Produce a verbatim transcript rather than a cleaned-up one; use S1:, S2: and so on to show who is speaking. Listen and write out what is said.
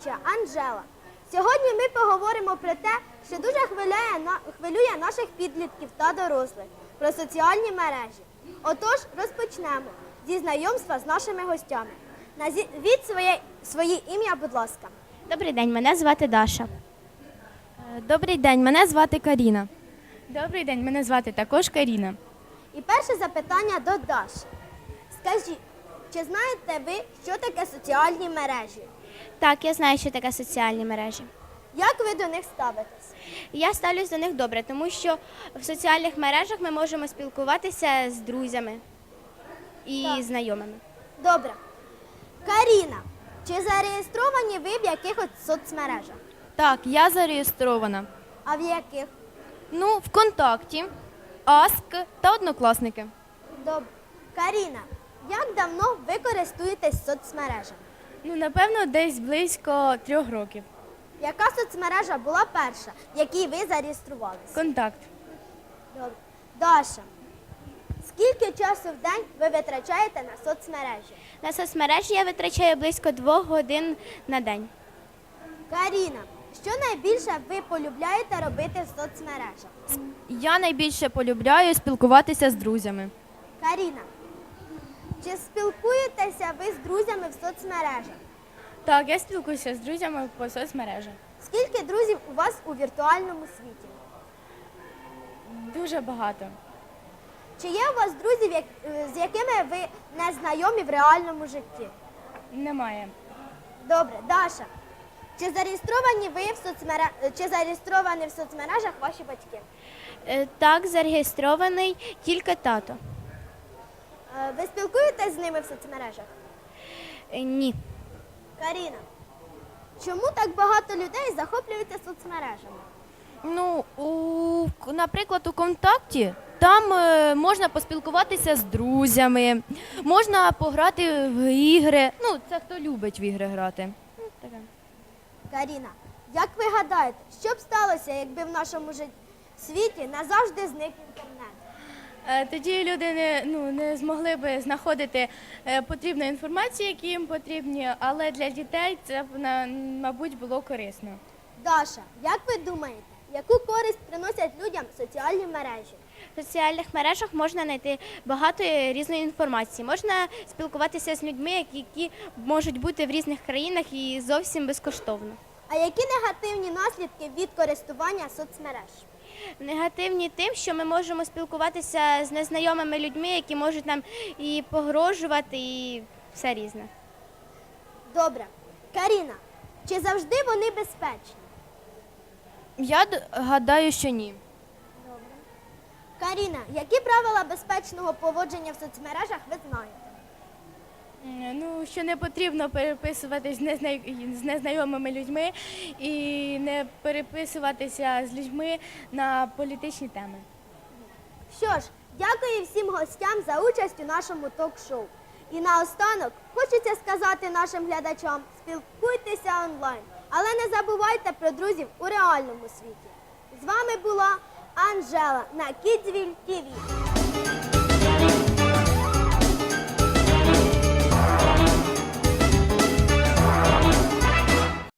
S1: ведуча Анжела. Сьогодні ми поговоримо про те, що дуже хвилює, хвилює наших підлітків та дорослих, про соціальні мережі. Отож, розпочнемо зі знайомства з нашими гостями. Назвіть своє, своє ім'я, будь ласка.
S2: Добрий день, мене звати Даша.
S3: Добрий день, мене звати Каріна.
S4: Добрий день, мене звати також Каріна.
S1: І перше запитання до Даші. Скажіть, чи знаєте ви, що таке соціальні мережі?
S2: Так, я знаю, що таке соціальні мережі.
S1: Як ви до них ставитесь?
S2: Я ставлюсь до них добре, тому що в соціальних мережах ми можемо спілкуватися з друзями і
S1: Так.
S2: знайомими.
S1: Добре. Каріна, чи зареєстровані ви в якихось соцмережах?
S3: Так, я зареєстрована.
S1: А в яких?
S3: Ну, ВКонтакті, Аск та Однокласники.
S1: Добре. Каріна, як давно ви користуєтесь соцмережами?
S4: Ну, напевно, десь близько трьох років.
S1: Яка соцмережа була перша, в якій ви зареєструвалися?
S4: Контакт.
S1: Добре. Даша, скільки часу в день ви витрачаєте на соцмережі?
S2: На соцмережі я витрачаю близько двох годин на день.
S1: Каріна, що найбільше ви полюбляєте робити в соцмережах?
S3: Я найбільше полюбляю спілкуватися з друзями.
S1: Каріна, чи спілкуєтеся ви з друзями в соцмережах?
S4: Так, я спілкуюся з друзями по соцмережах.
S1: Скільки друзів у вас у віртуальному світі?
S4: Дуже багато.
S1: Чи є у вас друзі, як- з якими ви не знайомі в реальному житті?
S4: Немає.
S1: Добре, Даша, чи зареєстровані ви в соцмере... чи зареєстровані в соцмережах ваші батьки?
S2: Е, Так, зареєстрований тільки тато.
S1: Е, Ви спілкуєтесь з ними в соцмережах?
S2: Е, Ні.
S1: Каріна, чому так багато людей захоплюються соцмережами?
S3: Ну, у, наприклад, у Контакті там е, можна поспілкуватися з друзями, можна пограти в ігри. Ну, це хто любить в ігри грати. Ну, таке.
S1: Каріна, як ви гадаєте, що б сталося, якби в нашому жит... світі назавжди зник інтернет?
S4: Е, Тоді люди не, ну, не змогли би знаходити е, потрібну інформацію, які їм потрібні, але для дітей це б, на- мабуть, було корисно.
S1: Даша, як ви думаєте, яку користь приносять людям соціальні мережі?
S2: В соціальних мережах можна знайти багато різної інформації. Можна спілкуватися з людьми, які можуть бути в різних країнах і зовсім безкоштовно.
S1: А які негативні наслідки від користування соцмереж?
S2: Негативні тим, що ми можемо спілкуватися з незнайомими людьми, які можуть нам і погрожувати, і все різне.
S1: Добре. Каріна, чи завжди вони безпечні?
S3: Я д- гадаю, що ні.
S1: Каріна, які правила безпечного поводження в соцмережах ви знаєте?
S4: М, Ну, що не потрібно переписуватись з незна- з незнайомими людьми і не переписуватися з людьми на політичні теми.
S1: Що ж, дякую всім гостям за участь у нашому ток-шоу. І наостанок хочеться сказати нашим глядачам, спілкуйтеся онлайн, але не забувайте про друзів у реальному світі. З вами була Анжела на Kidsville ті ві.